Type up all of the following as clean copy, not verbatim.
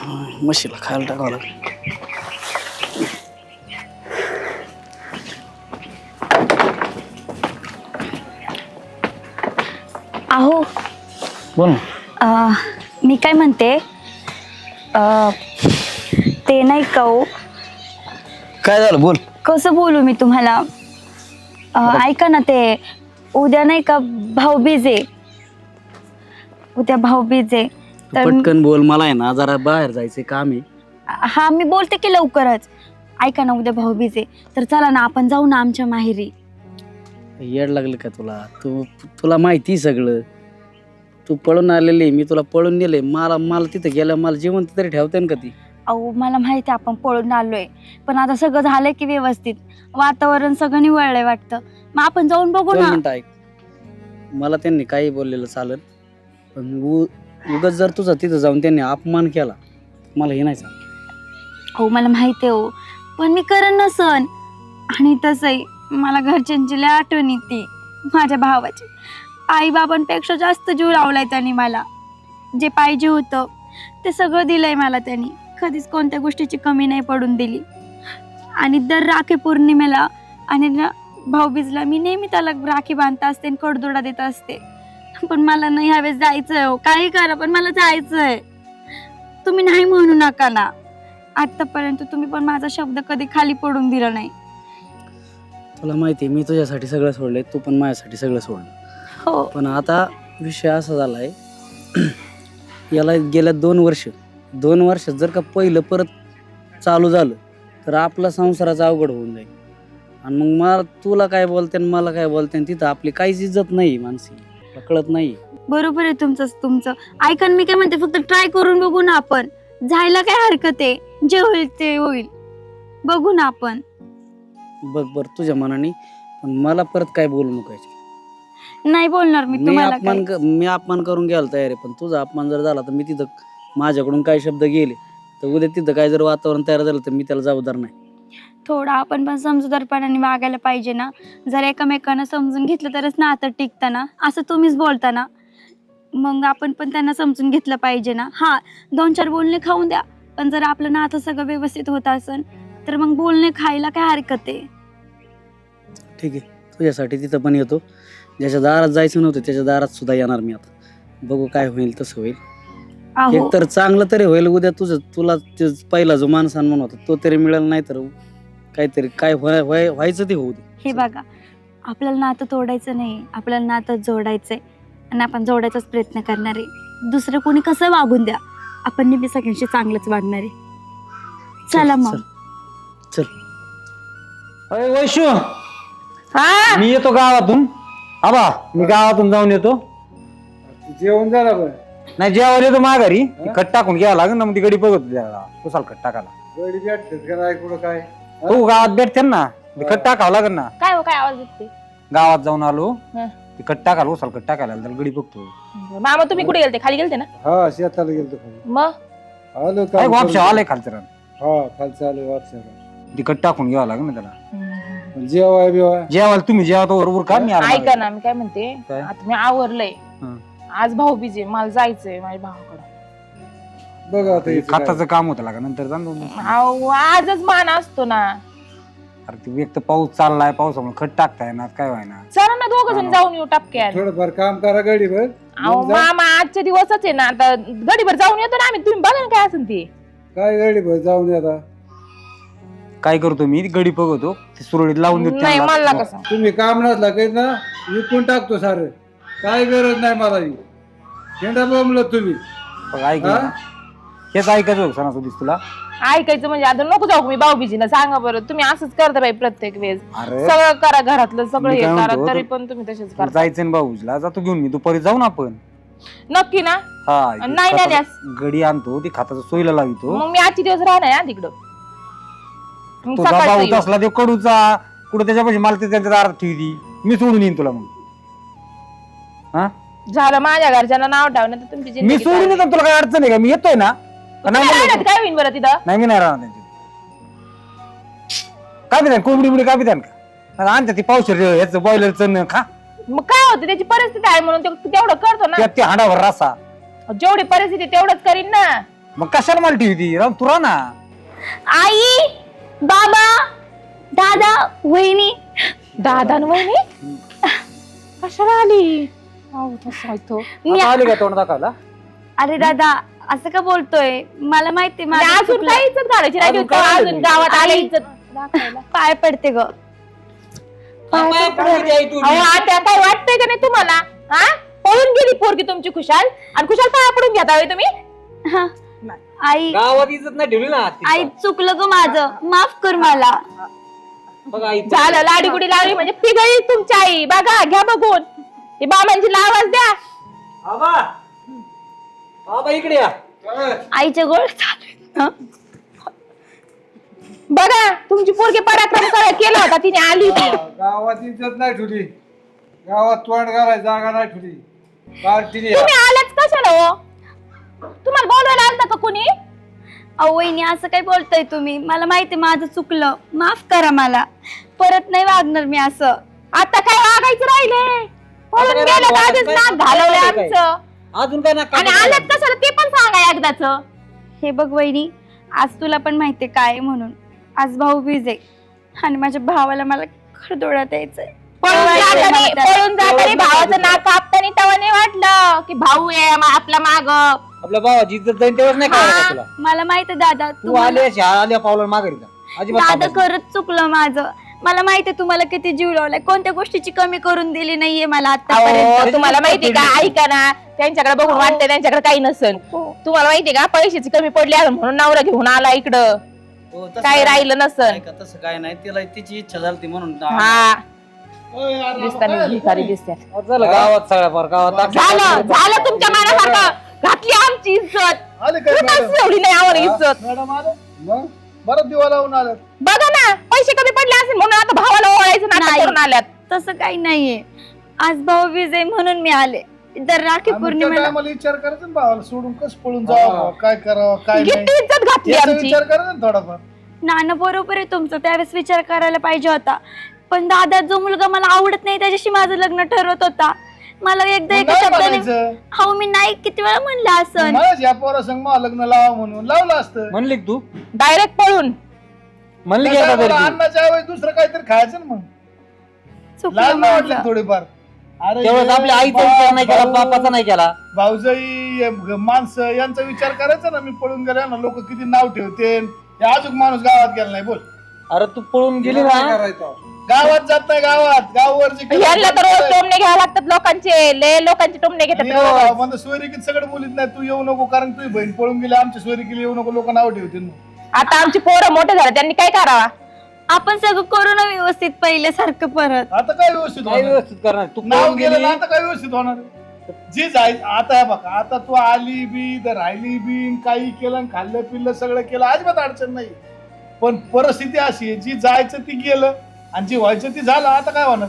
म्हशीला खायला टाकावं लागेल. अहो बोल ना. मी काय म्हणते ते नाही का हो, काय झालं बोल. कसं बोलू मी तुम्हाला. ऐका ना, ते उद्या नाही का भाऊबीज आहे. उद्या भाऊबीज आहे तू पटकन बोल, मला आहे ना जरा बाहेर जायचं काम आहे. हा मी बोलते की लवकरच. ऐका ना, उद्या भाऊबीज आहे तर चला ना आपण जाऊ ना आमच्या माहेरी. येड लागलं का तुला? तुला माहिती सगळं. तू पळून आलेली, मी तुला पळून नेले. मला तिथं गेलं, मला जिवंत तरी ठेवते ना का ती? अहो मला माहिती आपण पळून आलोय, पण आता सगळं झालंय की व्यवस्थित, वातावरण सगळं निवळलंय वाटतं. मग आपण जाऊन बघू दोन ना. मिनिटं ऐक. मला त्यांनी काही बोललेलं चालेल, पण उगाच जर तुझा तिथं जाऊन त्यांनी अपमान केला, मला हे नाही सांग. हो मला माहिती आहे हो, पण मी करेन ना सण. आणि तसंही मला घरच्यांची लय आठवण येते, माझ्या भावाची. आई बाबांपेक्षा जास्त जीव लावलाय त्यांनी मला. जे पाहिजे होतं ते सगळं दिलंय मला त्यांनी. कधीच कोणत्या गोष्टीची कमी नाही पडून दिली. आणि दर राखी पौर्णिमेला आणि भाऊबीजला मी नेहमी त्याला राखी बांधता असते आणि कडदोडा देत असते. पण मला नाही ह्यावेळेस जायचंय हो. काही करा पण मला जायचंय. तुम्ही नाही म्हणू नका ना. आतापर्यंत तुम्ही पण माझा शब्द कधी खाली पडून दिला नाही. तुला माहिती आहे, मी तुझ्यासाठी सगळं सोडलंय, तू पण माझ्यासाठी सगळं सोडलं. हो पण आता विषय असा झालाय, याला गेल्या 2 वर्षात जर का पहिलं परत चालू झालं तर आपला संसाराचं अवघड होऊन जाईल. आणि मग मला तुला काय बोलते आणि मला काय बोलते, तिथं आपली काहीच इज्जत नाही. मानसी कळत नाही. बरोबर आहे तुमचं. ऐका ना, मी काय म्हणते, फक्त ट्राय करून बघू ना आपण. जायला काय हरकत आहे? जे होईल ते होईल. बघू ना आपण. बघ बर तुझ्या मनाने, पण मला परत काय बोलू नको. नाही बोलणार मी तुम्हाला काही. मी अपमान करून घ्यायला तयार आहे, पण तुझा अपमान जर झाला तर मी तिथं माझ्याकडून काही शब्द गेले तर उद्या तिथं काय जर वातावरण तयार झालं तर मी त्याला जबाबदार नाही. थोडं आपण पण समजूतदारपणाने वागायला पाहिजे ना. जर एकमेकांना समजून घेतलं तरच नातं टिकतं ना. असं तुम्हीच बोलता ना, मग आपण पण त्यांना समजून घेतलं पाहिजे ना. हा 2-4 बोलणे खाऊन द्या, पण जर आपलं नातं सगळं व्यवस्थित होत असेल तर मग बोलणे खायला काय हरकत आहे. ठीक आहे, तुझ्यासाठी तिथं पण येतो. ज्याच्या दारात जायचं नव्हतं त्याच्या दारात सुद्धा येणार मी. आता बघू काय होईल तसं होईल. अहो एक तर चांगलं तरी होईल उद्या. तुला पहिला जो मान सन्मान होता तो तरी मिळेल, नाही तर काहीतरी काय व्हायचं ते होऊ दे. हे बघा, आपल्याला नातं तोडायचं नाही, आपल्याला नातं जोडायचंय. आणि आपण जोडायचाच प्रयत्न करणार आहे. दुसरं कोणी कसं वागून द्या, आपण नेहमी सगळ्यांशी चांगलंच वागणार आहे. चला मग. चल. अरे वैशू, मी येतो गावातून. आबा मी गावातून जाऊन येतो. जेवण झालं बरं. नाही जेवायला येतो माघारी. खट टाकून घ्यावं लागेल ना, मग ती गडी बघत त्याला कुसाल खट टाकायला. गडी भेटतेच का नाही कुठं काय? हो गावात भेटते ना, ते खट टाकावं लागेल ना. काय काय आवाज येते? गावात जाऊन आलो, हं. ते खट टाकायला उसाल खट टाकायला त्याला गडी बघतो. मामा तुम्ही कुठे गेलते? खाली गेलते ना? हा शेताला गेलतो खाली. मग आलो काय काम वापशा करून. आलाय खालचं रान. हा खालचं आलो वापसाला. ती खट टाकून घ्यावं लागेल ना त्याला. जेवाय बिवाय जेवायला तुम्ही जेवा तो बरोबर का मी आलो ऐका माघारी. ना, मी काय म्हणते, काय? आता मी आवरलंय. हं. आज भाऊबीज आहे, मला जायचंय माझ्या भावाकडे. बघ आता ते इथं काय. खताचं काम होतं लागा नंतर जाऊन दोन दिवस. अहो, आजच मान असतो ना. अरे ते एक तर पाऊस चाललाय, पावसामुळे खट टाकताय ना, काय व्हायना. चला ना दोघ जण जाऊन येऊ टपक्यात. थोडंफार काम करा गडीभर. अहो मग जा. मामा आजचे दिवसच आहे ना, आता गडीभर जाऊन येतो ना आम्ही. तुम्ही बघा ना काय असेल ते. काय गडीभर जाऊन येता. काय करतो मी गडी बघतो, ते सुरळीत लावून देतो नाही त्यांना. मला कसं. तुम्ही काम नसला काही ना विकून टाकतो सारं. काय गरज नाही मला. शेंडा बोंबलत तुम्ही. बघ, ऐक हा? ना. हेच ऐकायचं सणासुदीस तुला. ऐकायचं म्हणजे आता नको जाऊ मी भाऊबीजीला. सांगा बरं, तुम्ही असंच करता बाई प्रत्येक वेळेस. अरे सगळं करा घरातलं सगळं मी हे काय करा, म्हणतो, तरी पण तुम्ही तसेच तुला करता. जायचं ना भाऊजीला, जातो घेऊन मी दुपारी जाऊन आपण. नक्की ना? हा नाही ना खताचं द्यास. गडी आणतो, ती खाताचं सोयीला लावितो. मग मी आजचे दिवस राहणार आहे तिकडं. मग तुझा सकाळचं भाऊ येऊ. असला ते कडूचा कुठे त्याच्यापाशी मला ते त्यांच्या दारात ठेवली. मी सोडून येईन तुला. मग हा झालं माझ्या घरच्यांना नाव ठेवणं तर तुमची मी जिंदगी सोडून चालली. येतो, तुला काय अडचण आहे का? मी येतोय ना. का नाही तुम्ही म्हणलं राहण्यात तू? काय होईल बरं तिथं? नाही मी नाही राहणार त्यांची. काय पितान कोंबडी बिबडी काय पितान का? आणते ती पावशेर ह्याचं बॉयलरचं खा. मग काय होतं, त्याची परिस्थिती आहे म्हणून तेवढं करतो ना. त्यात ते हाडावर रसा. जेवढी परिस्थिती तेवढंच करीन ना. मग कशाला मला ठेवी ती राम तू राह ना. आई, बाबा, दादा, वहिनी. दादा आणि वहिनी कशाला आली? अहो, तसं आहे तो. मी आता आली का तोंड दाखवायला? अरे दादा असं का बोलतोय? मला माहिती आणि माझं अजून चुकलं. काय इज्जत घालायची राहिली अजून होती? काय अजून गावात आले आई. इज्जत दाखवायला. पाय पडते ग. अहो आता काय वाटतंय का नाही तुम्हाला? हा पळून गेली पोरगी तुमची खुशाल आणि खुशाल पाया पडून घेता होय तुम्ही? हा. आई, गावात इज्जत नाही ठेवली ना आई चुकलं ग माझं, माफ कर मला. बघा आई झालं लाडी गुडी लावली म्हणजे पिघळली तुमची आई. बघा घ्या बघून हे बाबांची आवाज द्या. आबा आबा इकडे या. आईच्या गोळ चालू आहेत. बघा तुमची पोरगी पराक्रम केला होता तिने आली ती. गावात इज्जत नाही ठेवली, गावात तोंड घालाय जागा नाही ठेवली. पार्टीने तुम्ही आलाच कशाला हो? तुम्हाला बोलवायला आलता का कोणी? अहो वहिनी असं काय बोलताय तुम्ही? मला माहिती माझं चुकलं, माफ करा मला. परत नाही वागणार मी असं. आता काय वागायचं राहिले? पळून काय गेलं तर वागायचं आधीच काय? नाक घालवलंय काय? आमचं. अजून काय ना आणि आलात कशाला ते पण सांगा एकदाच. हे बघ वहिनी, आज तुला पण माहितीये काय म्हणून. आज भाऊबीज आहे आणि माझ्या भावाला मला खरदोड्यात यायचंय. पळून जाताना भावाचं नाक कापताना तेव्हा नाही वाटलं की भाऊ आहे आपला माग. आपल्या भावाची इज्जत जाईन तेव्हाच नाही काय तुला. मला माहिती दादा, तू आले आल्या पावला माघारी जा. अजिबात दादा थांबायचं. खरंच चुकलं माझं. मला माहितीये तुम्हाला किती जीव लावलाय, कोणत्या गोष्टीची कमी करून दिली नाहीये मला आतापर्यंत. अहो, तुम्हाला माहिती का? ऐका ना, त्यांच्याकडे बघून वाटतंय त्यांच्याकडे काही नसेल. तुम्हाला माहितीये का पैशाची कमी पडली आहे म्हणून नवरा घेऊन आला इकडं. हो, तसं काय राहिलं नसल. नाही का, तसं काय नाही, तिला तिची इच्छा झाली म्हणून. हा दिसताना भिकारी दिसतात. झालं गावात सगळ्या फार गावात झालं तुमच्या मनासारखं घातली आमची इज्जत. आले काय कुणाच एवढी नाही आम्हाला इज्जत. मॅडम आले मग बरं दिवा लावून आलं. बघा ना पैसे कमी पडले असेल म्हणून आता भावाला ओळायचं नाटक नाही. करून आल्यात. तसं काही नाहीये. आज भाऊबीज आहे म्हणून मी आले. तर राखी पौर्णिमेला मला विचार करायचा ना भावाला सोडून कसं पळून जावं, काय करावं काय नाही किती इज्जत घातली याचा आमची. विचार करायचा ना थोडाफार. नाना बरोबर आहे तुमचं, त्यावेळेस विचार करायला पाहिजे होता. पण दादा जो मुलगा मला आवडत नाही त्याच्याशी माझं लग्न ठरवत होता. मला एकदा मग एका नाही शब्दाने म्हणायचं. हो मी नाही किती वेळा म्हणलं असं. मलाच या पोरासंग मला लग्न लावा म्हणून लावलं असतं. म्हणली का तू डायरेक्ट पळून. म्हणली की काय एकदा बरं, तरी ती? अन्नाच्या ऐवजी दुसरं काहीतरी खायचं ना मग. चुकलं लाज नाही माझं. वाटली थोडीफार. अरे तेवढंच हे आपल्या आईचा विचार नाही केला, बापाचा नाही केला. भाऊजाई माणसं यांचा विचार करायचा ना. मी पळून गेल्या ना लोक किती नाव ठेवते. अजून माणूस गावात गेला नाही बोल. अरे तू पळून गेली काय ना. करायचं? गावात जात नाही, गावात गाववर जे यांना तर रोज टोमणे घ्यावे लागतात लोकांचे. लय लोकांचे टोमणे घेतात रोज. म्हणजे सोयरिकीत सगळं बोलीत नाही. तू येऊ नको कारण तुझी बहीण पळून गेली. आमच्या सोयरिकीला येऊ नको, लोक नाव ठेवतील. आता आमची पोरं मोठे झाले त्यांनी काय करावा? आपण सगळं करू ना व्यवस्थित पहिल्यासारखं परत. आता काय व्यवस्थित काय होणार? व्यवस्थित करणार तू नाव पळून गेलं गेली. ना आता काय व्यवस्थित होणार? जी जाय आता हे बघा, आता तू आली बी तर राहिली बी, काही केलं आणि खाल्लं पिल्लं सगळं केलं, अजिबात अडचण नाही. पण परिस्थिती अशी आहे, जी जायचं ती गेलं आणि जी व्हायचं ती झालं. आता काय होणार?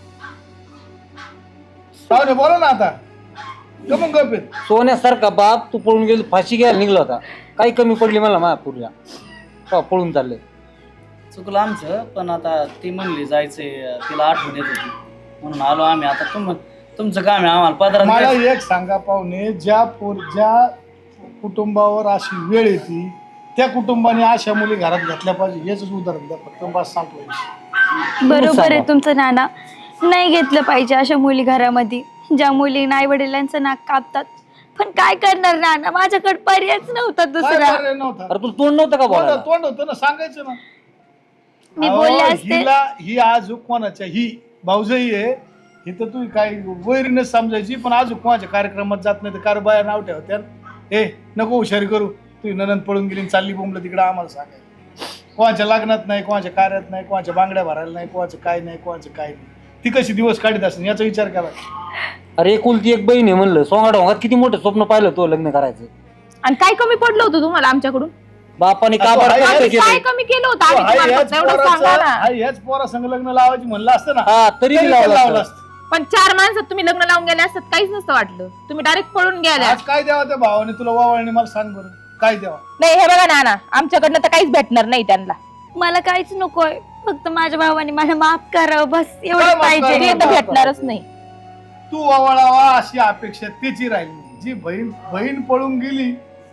पाहुणे बोला ना आता. कमून गप आहेत. सोन्यासारखा बाप तू पळून गेली, फाशी घ्यायला निघला होता. काही कमी पडली मला माझ्या पुढल्या पळून चाललंय. चुकलं आमचं, पण आता ती म्हणली जायचंय, तिला आठवण येत होती म्हणून आलो आम्ही. आता तुमचं काम आहे आम्हाला पदरात मला काय- एक सांगा पाहुणे, ज्या कुटुंबावर अशी वेळ येते त्या कुटुंबाने अशा मुली घरात घेतल्या पाहिजे. हेच उदाहरण द्या फक्त, बस संपलं. बरोबर आहे तुमचं नाना. नाही घेतलं पाहिजे अशा मुली घरामध्ये, ज्या मुली आई वडिलांचं नाक कापतात. पण काय करणार नाना, माझ्याकडे पर्यायच नव्हता काय दुसरा. पर्याय नव्हता. अरे तुला तोंड नव्हतं का बोलायला? तोंड होतं ना, सांगायचं ना. मी अहो, बोलले असते. ही आज कोणाच्या ही भाऊजाई आहे, ही तर तू काही वैरीनच समजायची. पण आज कोणाच्या कार्यक्रमात जात नाही तर कार बाया नाव ठेवत्या. हे नको हुशारी करू, तू ननंद पळून गेली चालली बोंबलं तिकडे आम्हाला सांगायचं. कोणाच्या लग्नात नाही, कोणाच्या कार्यात नाही, कोणाच्या बांगड्या भरायला नाही, कोणाचं काय नाही, कोणाचं काय नाही. ती कशी दिवस काढत असेल याचा विचार करा. अरे एकुलती एक बहीण आहे म्हणलं. सोंगाडोंगात किती मोठं स्वप्न पाहिलं तो लग्न करायचं. आणि काय कमी पडलं होतं तुम्हाला आमच्याकडून? बापाने असं काबाड आहे, कसं काय केलं? कमी केलं होतं आम्ही तुम्हाला? फक्त एवढं सांगा ना. ह्याच पोरा संग लग्न लावायची म्हणलं असतं ना, हा तरी तरी लावलं लावलं असतं. असतं. पण 4 माणसात तुम्ही लग्न लावून गेले असतात काहीच नसतं वाटलं. तुम्ही डायरेक्ट पळून गेल्या. आज काय द्यावा त्या भावाने तुला वावळणे मला सांग बरं, काय द्यावा? नाही हे बघा नाना, आमच्याकडनं तर काहीच भेटणार नाही त्यांना. मला काहीच नकोय, फक्त माझ्या भावाने मला माफ करावं बस, काय एवढं माफ पाहिजे. करावं? ते तर भेटणारच नाही. तू वावळावा अशी अपेक्षा त्याची राहिली. जी बहीण पळून गेली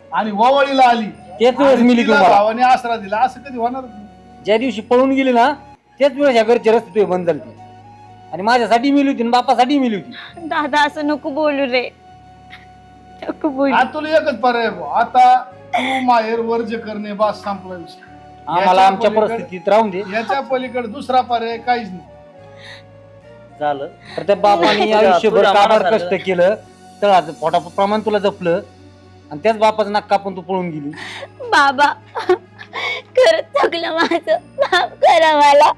आणि ववाळीला आली तेच वेळेस आणि मिली तिला तुम्हाला. भावाने आसरा दिला, असं कधी होणार नाही. ज्या दिवशी पळून गेली ना त्याच वेळेस या घरचे रस्ते तुझे बंद झाले आणि माझ्यासाठी मिली होती आणि बापासाठी मिली होती. दादा असं नको बोलू रे, नको बोलू. आता तुला एकच पर्याय आहे भाऊ. आता तू माहेर वर्ज करणे बास, संपला विषय. आम्हाला आमच्या पलीकडे- परिस्थितीत राहून दे याच्या पलीकडे दुसरा पर्याय काहीच नाही. झालं तर त्या बापाने तुझ्या- आयुष्यभर तुझ्या कामावर मनासारखं. कष्ट केलं तर पोटाप्रमाण तुला जपलं आणि त्याच बापाचं नाक कापून तू पळून गेली. बाबा खरंच चुकलं माझं, माफ करा मला.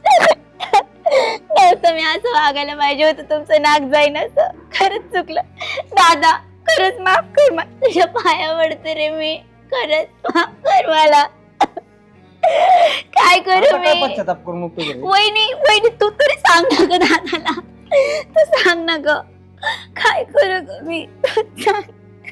नव्हतं मी असं वागायला पाहिजे होतं, तुमचं नाक जाईन असं. खरंच चुकलं दादा, खरंच माफ कर मला, तुझ्या पाया पडते रे मी, खरंच माफ कर मला. काय करू आता काय मी? पश्चाताप करून उपयोग आहे? वहिनी वहिनी तू तरी सांग ना ग दादाला, तू सांग ना ग, काय करू ग मी, तू सांग.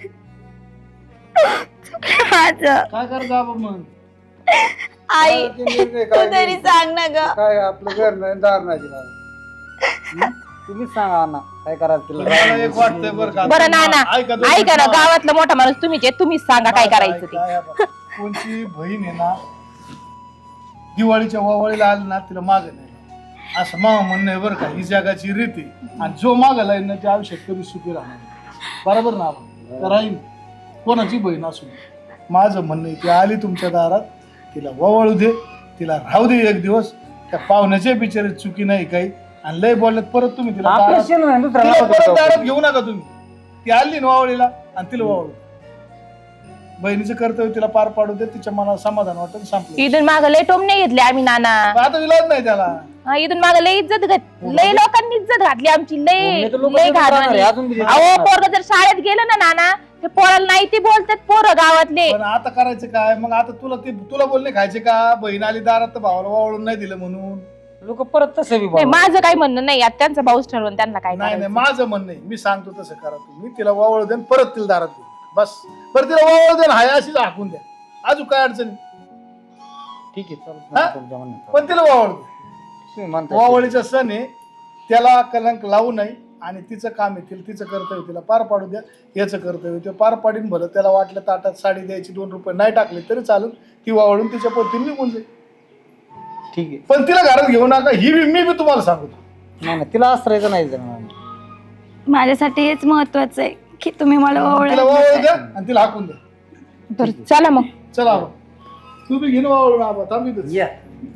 चुकलं माझं. काय करता आपण मग? आई ते निर्णय तू काय तरी घ्यायचा? सांग ना ग. काय आपलं घर नाही दार नाही तिला. तुम्हीच सांगा ना काय करायचं मला तिला. एक वाटतंय बरं का, बरं नाना, ऐका दोन ऐका ना, मिनिटं. गावातला मोठा माणूस तुम्हीच आहे, तुम्हीच सांगा काय करायचं ते. काय आपण- कोणची बहीण आहे ना, दिवाळीच्या वावळीला आली ना तिला माग नाही असं मा म्हणणं आहे बरं का. ही जगाची रीती आणि जो माग लाईन ना ते आयुष्यात कधी सुखी राहणार नाही. बरोबर ना आपण तर राहील कोणाची बहीण असू दे. माझं म्हणणं आहे ती आली तुमच्या दारात, तिला वळू दे, तिला राहू दे एक दिवस. त्या पाहुण्याच्या बिचारी चुकी नाही काही, आणि लय बोलल्यात परत तुम्ही तिला आपलं दारात- शेण नाही, दुसऱ्याला तिला परत लावतो. दारात घेऊ नका तुम्ही. ती आली ना वावळीला आणि तिला वावळू. बहिणीचं कर्तव्य तिला पार पाडू दे, तिच्या मनाला समाधान वाटेल, संपलं. इथून माग लय टोमणे घेतले आम्ही नाना. आता विलाज नाही त्याला. हा, इथून माग लय इज्जत लय लोकांनी इज्जत घातली आमची, लय पुणे तर लोकं लय तिथं राहणार आहे, घालवली. अजून बी तिथं अहो राहणार. पोरग जर शाळेत गेलं ना नाना, ते पोराला नाही ते बोलतात पोरं गावातले. पण आता करायचं काय मग? आता तुला बोलणे खायचे का? बहीण आली दारात तर भावाला वावळून नाही दिलं म्हणून? लोक परत तसं बी नाही, बोलतात. माझं काही म्हणणं नाही, आता त्यांचा भाऊच ठरवून त्यांना काय नाही करायचं. नाही, माझं म्हणणं आहे, मी सांगतो तसं करा तुम्ही. तिला वावळ द्या आणि परत तिला दारात घेऊ बस. बरं तिला वावळ द्या, हाय अशीच हाकून द्या, अजून काय अडचण? ठीक आहे चालतं, हा? तुमच्या म्हणण्यात. पण तिला वावळ द्या. तुम्ही म्हणताय. वावळीचा सण आहे, त्याला कलंक लावू नये आणि तिचं काम आहे, तिचं कर्तव्य तिला पार पाडू द्या. याचं कर्तव्य ते पार पाडीन. भलं त्याला वाटलं ताटात साडी द्यायची, 2 रुपये नाही टाकले तरी चालेल, ती वावळून तिच्या पोतीने निघून जाईल. ठीक आहे. पण तिला घरात घेऊ नका, ही मी बी तुम्हाला सांगतो. नाही नाही, तिला आश्रयचं नाही जरा. माझ्यासाठी हेच महत्वाचं आहे की तुम्ही मला तिला वावळ द्या आणि तिला हाकून द्या. बरं चला मग. चला आबा, तू बी घेऊन वावळून आबा, थांब इथंच. या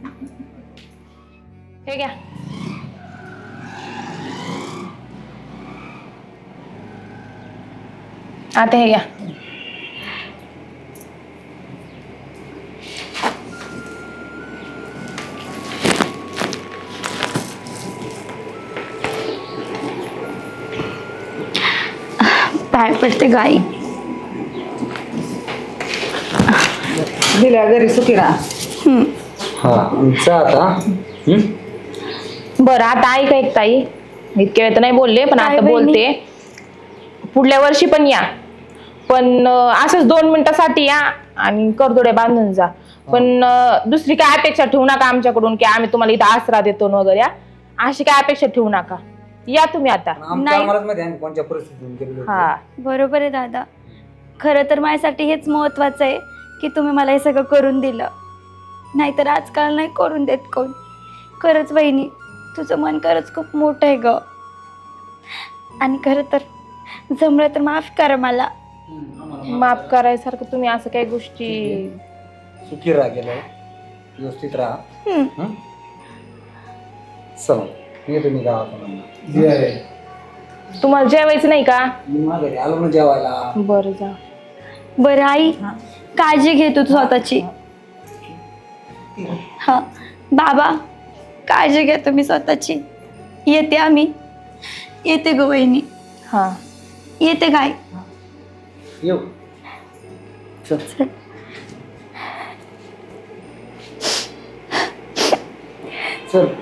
हे घ्या. आता हे घ्या. पाय पडते गाई. दिल्या घरी सुखी राहा. हा जा आता. बरं आता ऐका एक ताई, इतक्या वेळ तर नाही बोलले पण काय आता बहिणी? बोलते. पुढल्या वर्षी पण या, पण असंच 2 मिनिटासाठी या आणि करदोडे बांधून जा. पण दुसरी काय अपेक्षा ठेवू नका आमच्याकडून की आम्ही तुम्हाला इथं आसरा देतो न वगैरे. अशी काय अपेक्षा ठेवू नका. या तुम्ही आता. आमच्या आम्हालाच माहिती आहे आम्ही कोणत्या परिस्थितीतून गेलेलो होतो. हा बरोबर आहे दादा, खरं तर माझ्यासाठी हेच महत्वाचं आहे की तुम्ही मला हे सगळं करून दिलं. नाहीतर आजकाल नाही करून देत कोण. खरंच वहिनी, तुझं मन खरंच खूप मोठं आहे ग. आणि खरं तर जमलं तर माफ करा मला. माफ करायसारखं तुम्ही असं काही गोष्टी. सुखी राहा, गेलं व्यवस्थित राहा. हम्म. चला येतो मी गावाकडून. तुम्हाला जेवायचं नाही का? मी माघारी आलो ना जेवायला. बरं जा. बरं आई, काळजी घे तू स्वतःची. हा बाबा, काळजी घ्या तुम्ही स्वतःची. येते आम्ही. येते ग वहिनी. हा येते काय. येऊ. चल. चल. चल